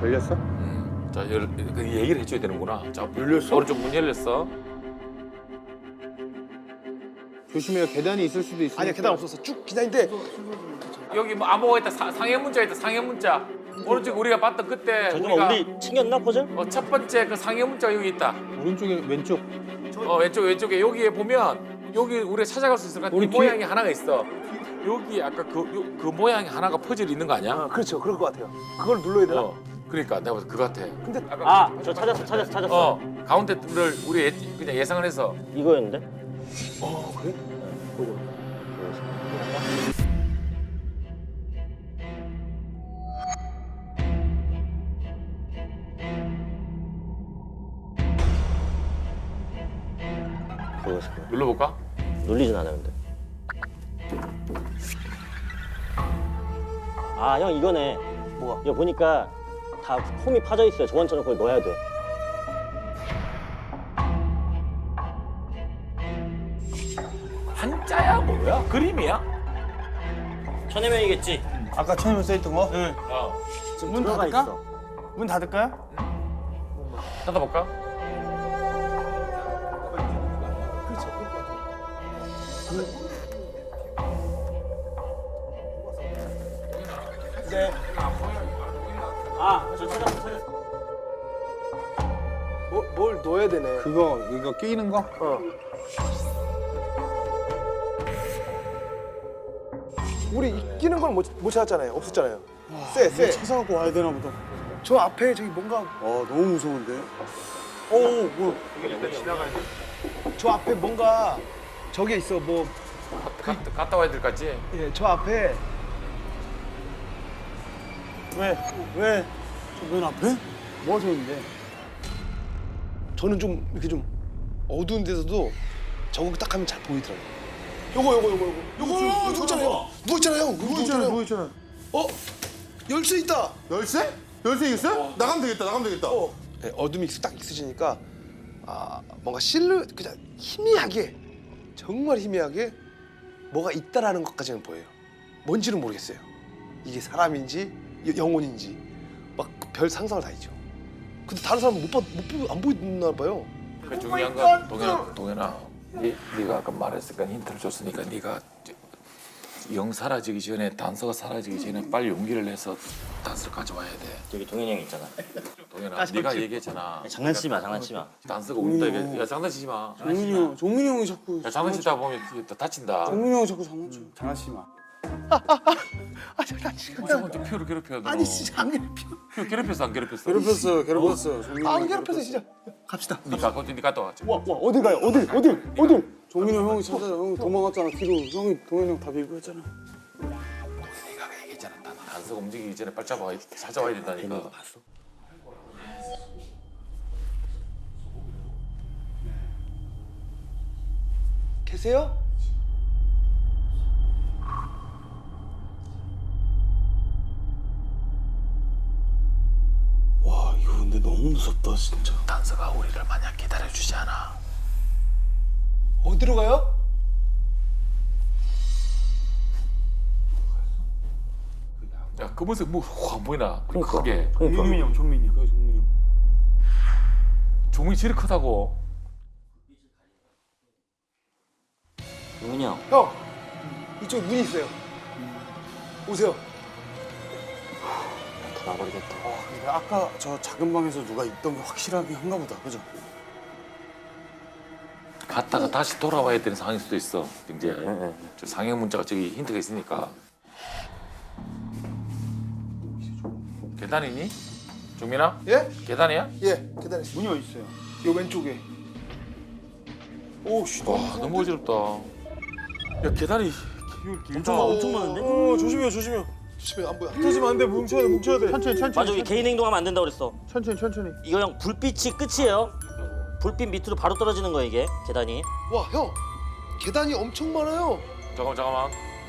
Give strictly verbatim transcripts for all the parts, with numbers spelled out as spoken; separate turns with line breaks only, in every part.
열렸어?
음. 자, 열, 그 얘기를 해줘야 되는구나. 자,
열렸어?
오른쪽 문 열렸어.
조심해요. 계단이 있을 수도 있으니까.
아니야 계단 없었어. 쭉 계단인데
여기 뭐 암호가 있다. 사, 상해 문자 있다. 상해 문자. 오른쪽 우리가 봤던 그때
잠깐만
우리가
우리 챙겼나 퍼즐?
어, 첫 번째 그 상해 문자가 여기 있다.
오른쪽에 왼쪽.
어, 왼쪽 왼쪽에 여기에 보면 여기 우리가 찾아갈 수 있을 것 같아. 이
우리 뒤에-
모양이 하나가 있어. 여기 아까 그, 요- 그 모양이 하나가 퍼즐이 있는 거 아니야?
아, 그렇죠. 그럴 것 같아요. 그걸 눌러야 되나?
어. 그러니까 내가 봐서 그거 같아.
근데
아까
아 저 찾았어 찾았어 찾았어.
어, 가운데를 우리 예, 그냥 예상을 해서
이거였는데?
어 그래?
그거였을 거야.
눌러볼까?
눌리진 않아요 근데. 아 형 이거네.
뭐가?
이거 보니까 다 홈이 파져 있어요. 저번처럼 그걸 넣어야 돼.
한자야 뭐야? 그림이야?
천해명이겠지.
아까 처음에 써있던 거?
응.
어.
지금
문
들어가
닫을까?
있어.
문 닫을까요?
닫아볼까?
네.
아저 찾았어 찾았어.
뭐, 뭘 넣어야 되네.
그거 이거 끼는 거?
어. 우리 이 끼는 걸 못 못 찾았잖아요. 없었잖아요. 쎄, 쎄.
찾아갖고 와야 되나 보다.
저 앞에 저기 뭔가
어 너무 무서운데. 오 뭐?
저 앞에 뭔가 저게 있어. 뭐
가, 갔다 와야 될 것 같지?
예, 저 앞에
왜? 왜? 저 맨 앞에? 뭐가 서 있는데?
저는 좀 이렇게 좀 어두운 데서도 저거 딱 하면 잘 보이더라고요. 요거 요거 요거 요거 요거 저거 있잖아요. 누워 있잖아요. 누워 있잖아요.
누워 있잖아.
어? 열쇠 있다.
열쇠? 열쇠 있어요? 나가면 되겠다. 나가면 되겠다.
어. 네, 어둠이 딱 있으시니까 아 뭔가 실루 그냥 희미하게 정말 희미하게 뭐가 있다라는 것까지는 보여요. 뭔지는 모르겠어요. 이게 사람인지 여- 영혼인지 막 별 상상을 다 했죠. 근데 다른 사람은 못 봐, 못 보고 안 보이나 봐요.
그 중요한 건 동현아, 동현아, 네, 네가 아까 말했으니까 힌트를 줬으니까 네가 영 사라지기 전에 단서가 사라지기 전에 빨리 용기를 내서 단서를 가져와야 돼.
여기 동현이 형 있잖아.
동현아, 네가 얘기했잖아.
장난치지 마 장난치지 마.
단서가 온다 이게. 야 장난치지 마.
종민이 형, 종민이 형이 자꾸.
야 장난치다 보면 이게 또 다친다.
종민이 형이 자꾸 장난쳐. 장난치지 마.
아 잠깐 지금
저건 좀 피우를 괴롭혀. 너.
아니 진짜 안 괴롭혀.
피우 괴롭혔어 안 괴롭혔어?
괴롭혔어요, 괴롭혔어요. 종민이
안
형이
괴롭혀서 진짜. 갑시다.
네가 거기 네 갔다 와.
와, 와, 어디 가요? 어디, 어디, 어디? 종민이 형 형이 찾아요. 형 도망갔잖아. 뒤로. 형이 동현이 형 다 밀고 했잖아.
네가 얘기했잖아. 단- 단서가 움직이기 전에 빨리 잡아와 찾아와야 된다니까.
계세요?
와, 이거 근데 너무 무섭다, 진짜.
단서가 우리를 만약 기다려주지 않아.
어디로 가요?
야 검은색 뭐안 보이나?
그러니까.
크게.
그러니까.
종민이 형, 종민이 형. 그게 종민이 형.
종이 제일 크다고.
동현이 형.
형 이쪽 문이 있어요. 오세요.
다 나버리겠다.
와, 근데 아까 저 작은 방에서 누가 있던 게 확실하게 한가 보다. 그죠?
갔다가 다시 돌아와야 되는 상황일 수도 있어. 이제
네.
저 상형 문자가 저기 힌트가 있으니까. 계단이니? 종민아?
예?
계단이야?
예, 계단에 있어요.
문이 어디 있어요?
요 왼쪽에. 오, 씨.
와 너무 어지럽다. 야 계단이
엄청 많- 엄청 많은데?
어, 조심해요, 조심해요.
조심해 안 보여.
터지면 안 돼, 뭉쳐야 돼, 뭉쳐야 돼.
천천히 천천히.
맞아 여기 개인 행동하면 안 된다고 그랬어.
천천히 천천히.
이거 형 불빛이 끝이에요. 불빛 밑으로 바로 떨어지는 거야 이게 계단이.
와, 형. 계단이 엄청 많아요.
잠깐만 잠깐만.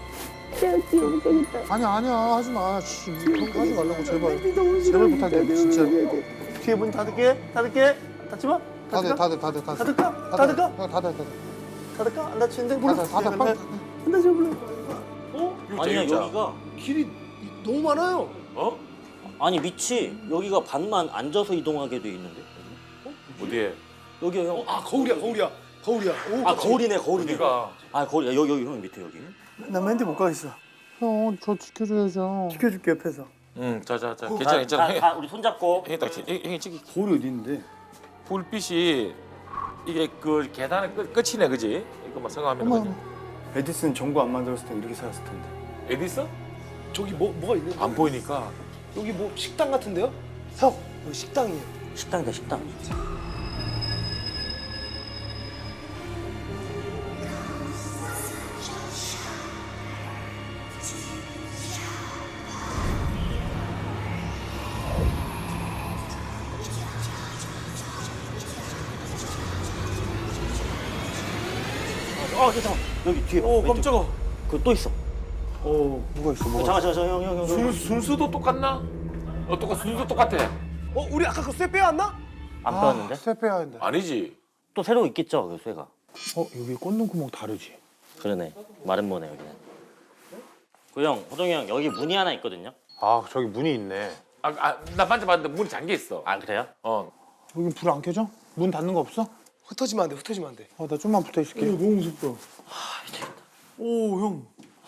아니야 아니야 하지 마. 씨, 그런 거 하지 말라고 제발. 제발 부탁해 진짜.
뒤에 문 닫을게, 닫을게. 닫지 마.
다들 다들 다들 다들.
닫을까? 닫을까?
어, 다들 다들.
닫을까? 안 닫히는데?
다들 다들 빨리.
안 닫혀, 몰라. 어?
이거
아니야
진짜.
여기가
길이 너무 많아요.
어?
아니 밑이 여기가 반만 앉아서 이동하게 돼 있는데.
어디에?
여기요 형.
아 거울이야 거울이야 거울이야. 오,
아 거울이네 거울이네.
어디가?
아 거울 여기 여기 형 밑에 여기.
나 맨디 못 가겠어.
형, 저 지켜줘야죠.
지켜줄게 옆에서.
응, 자자자, 괜찮아 괜찮아.
가,
형이
가, 우리 손잡고.
형이 딱 지- 형이 형이 저기
거울이 어디 있는데?
불빛이 이게 그 계단의 끝 끝이네, 그지? 이거만 생각하면 그지?
에디슨 전구 안 만들었을 때 이렇게 살았을 텐데.
에디슨?
저기 뭐 뭐가 있는?
안 보이니까.
여기 뭐 식당 같은데요? 형 여기 식당이에요.
식당이다 식당. 어 괜찮아. 여기 뒤에.
오 깜짝아.
그또 있어.
어 뭐가 있어?
어,
뭐가
잠깐 잠깐 형 형 형.
순 순수도 똑같나? 어, 똑같 순수 똑같아.
어 우리 아까 그 쇠 빼왔나?
안 빼왔는데?
쇠 빼야 한다.
아니지.
또 새로 있겠죠 그 쇠가.
어 여기 꽂는 구멍 다르지.
그러네. 마른 모네 여기는. 그 형, 호동이 형 여기 문이 하나 있거든요.
아, 저기 문이 있네.
아, 아, 나 만져봤는데 문이 잠겨 있어.
아 그래요?
어.
여기 불 안 켜져? 문 닫는 거 없어?
흩어지면 안 돼. 흩어지면 안 돼.
어, 나 좀만 붙어 있을게.
너무 무섭다. 오 형.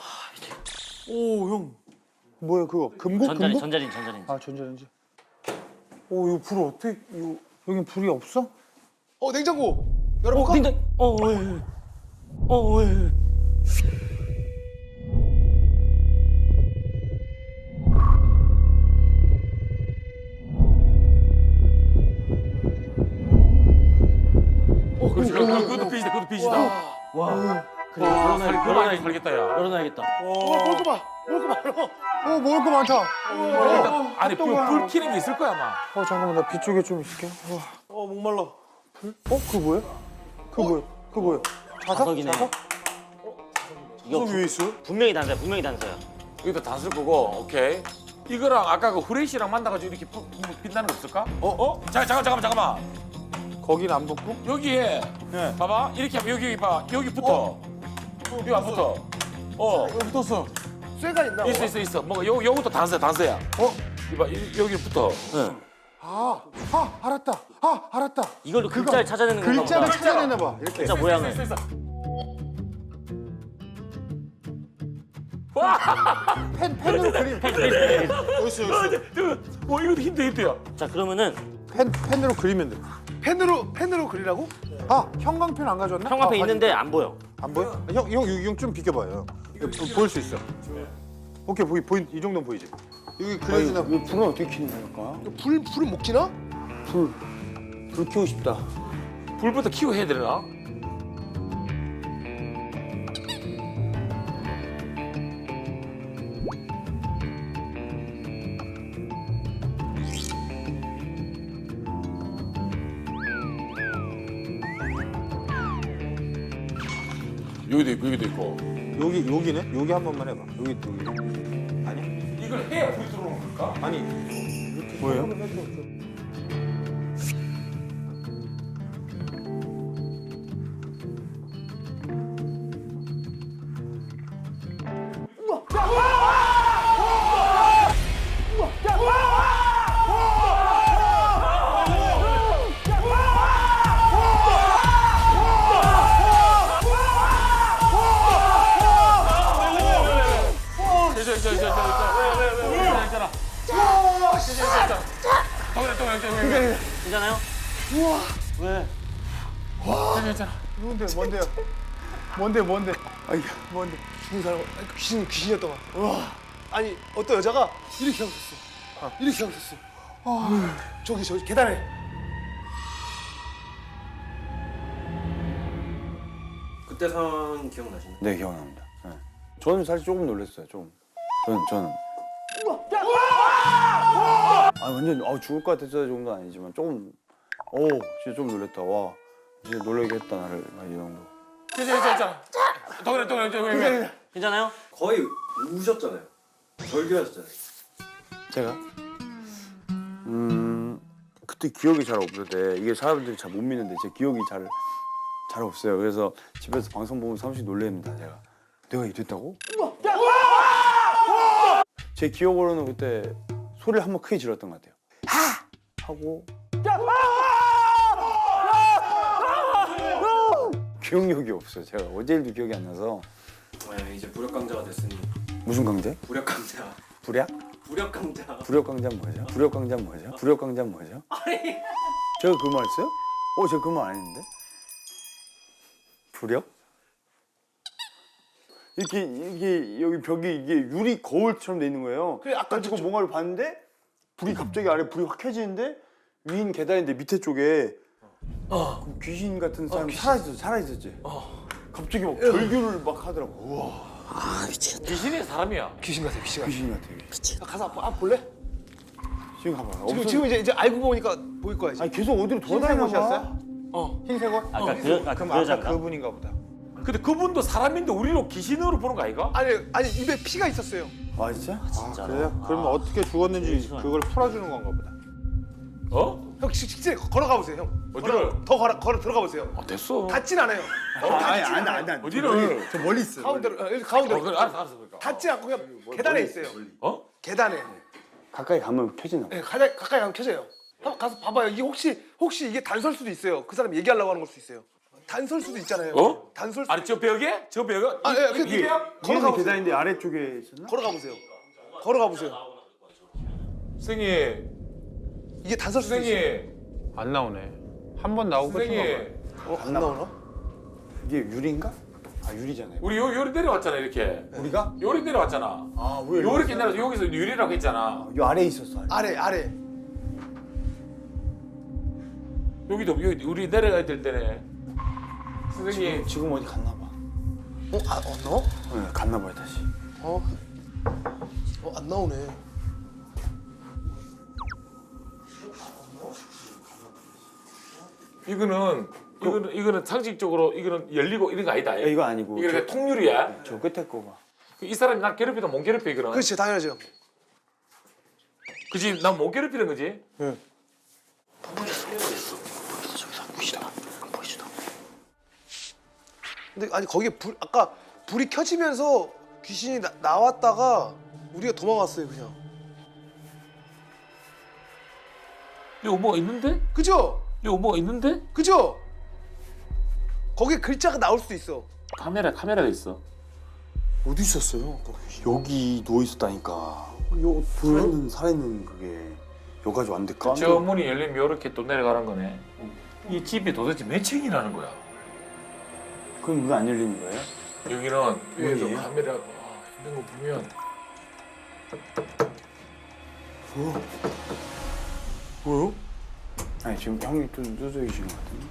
오 형.
뭐야 그거? 금고?
전자레인
금고?
전자레인 전자레인.
아, 전자레인지. 오, 이거 불 어떻게? 이거 여긴 불이 없어?
어 냉장고 열어볼까?
근데 어 왜? 어 왜?
어, 그렇지. 그것도 빛이다. 그것도 빛이다.
와. 그래
와,
열어놔
살
열어놔
그만 살겠다, 야.
열어놔야겠다.
어 먹을 거 봐. 먹을 거 많아.
어, 먹을 거 많다.
어, 아니, 불, 불 켜는 게 있을 거야, 아마.
어, 잠깐만, 나 뒤쪽에 좀 있을게. 와.
어 목말라.
어, 그거 뭐야? 그거 뭐야? 그거 뭐야? 자석?
자석이네.
자석?
이거
저기 왜 있어?
분명히 단서야 분명히 단서야.
여기다 단술 거고, 오케이. 이거랑 아까 그 후레쉬랑 만나가지고 이렇게 부- 부- 빛나는 거 없을까? 어? 어? 잠깐, 잠깐, 잠깐만, 잠깐만.
거긴 안 붙고?
여기에,
네.
봐봐. 이렇게 하면 여기, 여기 봐. 여기 붙어. 여기 안 붙어. 어.
여기 붙었어.
쇠가 있나?
있어, 있어, 있어. 뭔가 요, 요것도 단서야, 단서야. 어? 이봐, 이- 여기 붙어.
응.
아, 아, 알았다. 아, 알았다.
이걸로 글자를 찾아내는 건가
글자를
보다.
찾아내나 봐. 이렇게.
글자 모양을.
있어, 있어. 와!
펜, 펜으로 그림.
여기 있어 여기 있어.
뭐 이것도 힌트, 힌트야.
자 그러면은
펜, 펜으로 그리면 돼.
펜으로 펜으로 그리라고?
아, 형광펜 안 가져왔나?
형광펜
아,
있는데 안 보여.
안 보여? 형, 형, 형 좀 비켜봐요. 이거 보, 보일 수 있어. 오케이, 보이, 보이, 이 정도는 보이지. 여기 그려지나?
이 불은 어떻게 켜는 걸까?
불 불은 못 켜나?
불. 불 켜고 싶다.
불부터 키워 해야 되나? 여기도 있고 여기도 있고.
여기, 여기네? 여기 한 번만 해봐. 여기, 여기. 아니?
이걸 해야 불이 들어오는 걸까?
아니. 뭐예요?
괜찮아, 괜찮아, 괜찮아. 왜왜왜 괜찮아. 괜찮아, 괜찮아. 동현아, 동현아, 동현아.
괜찮아요? 왜?
괜찮아, 괜찮아.
뭔데, 뭔데요? 뭔데, 뭔데? 아이, 뭔데?
죽은 사람 아니, 그 귀신 귀신이었던 것 같아. 와. 아니 어떤 여자가 이렇게 하고 있었어. 이렇게 하고 있었어. 아, 저기 저기 계단에.
그때 상황 기억나시나요?
네 기억납니다. 네. 저는 사실 조금 놀랐어요. 조금. 저는 저는. 아 완전 아 죽을 것 같았을 정도는 아니지만 조금. 오 진짜 좀 놀랬다. 와 진짜 놀라게 했다 나를 아, 이 정도.
괜찮아, 괜찮아. 동현아, 동현아, 동현아.
괜찮아요?
거의 우셨잖아요. 절규하셨잖아요.
제가? 음 그때 기억이 잘 없는데 이게 사람들이 잘 못 믿는데 제 기억이 잘 잘 없어요. 그래서 집에서 방송 보면 사무실 놀랍니다. 제가 내가 이랬다고? 제 기억으로는 그때 소리를 한번 크게 질렀던 것 같아요. 하! 하고 기억력이 없어요. 제가 어제 일도 기억이 안 나서.
네, 이제 부력 강자가 됐으니
무슨 강제?
부력 강자.
불약?
부력 강자.
부력 강자는 뭐죠? 부력 강자는 뭐죠? 부력 강자는 뭐죠? 제가 그 말 했어요? 어, 제가 그 말 안 했는데? 부력? 이렇게 이게 여기 벽이 이게 유리 거울처럼 돼 있는 거예요.
그래, 아까
가지고
저-
뭔가를 봤는데 불이 갑자기 아래 불이 확 켜지는데 위인 계단인데 밑에 쪽에 그 귀신 같은 사람이 살아 있었어, 살아 있었지. 갑자기 막 절규를 막 하더라고. 우와,
귀신이 사람이야.
귀신 같아, 귀신 같아.
귀신 같아. 이게.
가서 앞, 앞 볼래?
지금 가봐.
지금
없어.
지금 이제 이제 알고 보니까 보일 거야 이제.
아니 계속 어디로 돌아다니는
흰색
거야?
옷이었어요?
어.
흰색 옷?
아까 그 아까
그럼
그
아까
여자인가?
그분인가 보다.
근데 그분도 사람인데 우리로 귀신으로 보는 거 아이가?
아니 아니 입에 피가 있었어요.
아 진짜?
진짜로.
그래요? 그러면 어떻게 죽었는지 그걸 풀어주는 건가 보다.
어?
형 직- 직진에 걸어가 보세요 형.
어디를?
걸어, 더 걸어 걸어 들어가 보세요.
아 됐어.
닿진 않아요.
아니 안돼 안돼 안돼.
어디를?
저 멀리 있어.
가운데로 어, 여기
어,
가운데로.
그래, 알았어, 알았어. 그러니까.
닿지 않고 그냥 계단에 있어요.
어?
계단에.
가까이 가면 켜지나 봐.
네, 가까이 가까이 가면 켜져요. 한번 가서 봐봐요. 이게 혹시 혹시 이게 단설 수도 있어요. 그 사람 얘기하려고 하는 걸 수도 있어요. 단설 수도 있잖아요.
어?
단설 수.
아니 저 벽에? 저 벽에?
아, 예, 그,
이게?
이게
위에는
걸어가 보세요.
계단인데 아래쪽에 있었나?
걸어가 보세요. 걸어가 보세요.
선생님,
이게 단설 수도 있어요.
선생님,
안 나오네. 한 번 나오고 끝인가 봐요.
선생님.
어, 안 나오나?
이게 유리인가? 아 유리잖아요.
우리 요 요리 내려왔잖아 이렇게.
우리가?
요리 내려왔잖아.
아 왜?
요렇게 내려서 여기서 유리라고 했잖아.
요 아래에 있었어. 아래.
아래 아래.
여기도 여기 우리 내려가야 될 때네. 선생님,
지금 어디 갔나 봐.
어, 아, 어, 너?
네, 갔나 봐요 다시.
어. 어, 안 나오네.
이거는 이거는 이거는 상식적으로 이거는 열리고 이런 거 아니다.
야, 이거 아니고.
이거
저,
그냥 통유리야.
저 끝에 거 봐.
이 사람이 나 괴롭히다 못 괴롭혀 이거는.
그렇지, 당연하죠.
그지? 난 못 괴롭히는 거지.
근데 아니 거기에 불 아까 불이 켜지면서 귀신이 나, 나왔다가 우리가 도망갔어요 그냥.
이거 뭐가 있는데?
그죠?
이거 뭐가 있는데?
그죠? 거기에 글자가 나올 수도 있어.
카메라 카메라가 있어.
어디 있었어요? 여기 누워 있었다니까. 요 살아있는 살아있는 그게 여기까지 왔는데 깜짝.
저 문이 열리면 이렇게 또 내려가는 거네. 이 집이 도대체 몇 층이라는 거야?
그럼 왜 안 열리는 거예요?
여기는 위에서
문이에요?
카메라 와, 있는 거 보면
뭐요? 아니 지금 형이 또 누워 계시는 것 같은데.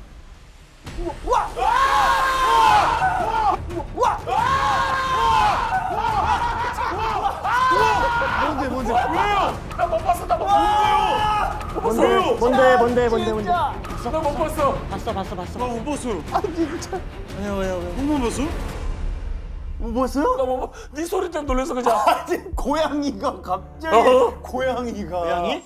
뭔데 뭔데?
나못 봤어, 나못 봤어.
뭔데 뭔데 뭔데 뭔데 뭔데.
나못 봤어.
봤어 봤어 봤어.
못 봤어. 아 진짜. 왜요 왜요 왜? 못 봤어? 못 봤어요?
나못 봤. 네 소리 때문에 놀라서 그냥.
아니 고양이가 갑자기
어?
고양이가
고양이?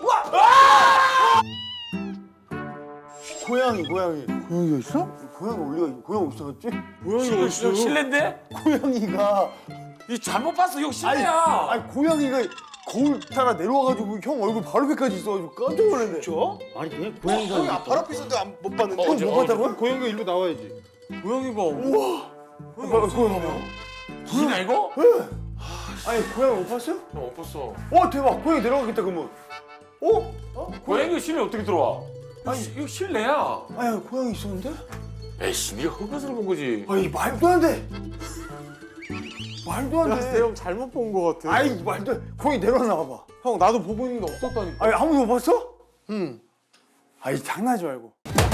고양이 고양이 고양이가 있어? 고양이 올리가 고양이 없어졌지?
고양이가 있어.
실례인데?
고양이가
이 잘못 봤어. 이거
아니,
실례야.
아니 고양이가 거울 타라 내려와가지고 형 얼굴 바로 앞에까지 있어가지고 깜짝 놀랐네.
저?
아니 그냥 고양이가
형이 아, 바로 앞에 있었는데 안- 못 봤는데.
어,
못 봤다고요?
고양이가 일로 나와야지.
고양이가 우와. 고양이 고양이 봐.
귀신 아니고?
아니 고양이 못 봤어요?
나못 봤어.
와 대박 고양이 내려가겠다 그러면. 어? 어?
고양이 실내 어떻게 들어와? 아니 이거 실내야.
아니 고양이 있었는데?
에이씨, 네가 흑것을 본 거지.
아니 말도 안 돼. 말도 안 돼.
형 잘못 본 거 같아.
아이 말도 안 돼. 고양이 내려놔 봐봐.
형 나도 보고 있는데 없었다니까.
아니 아무도 못 봤어?
응.
아이 장난하지 말고.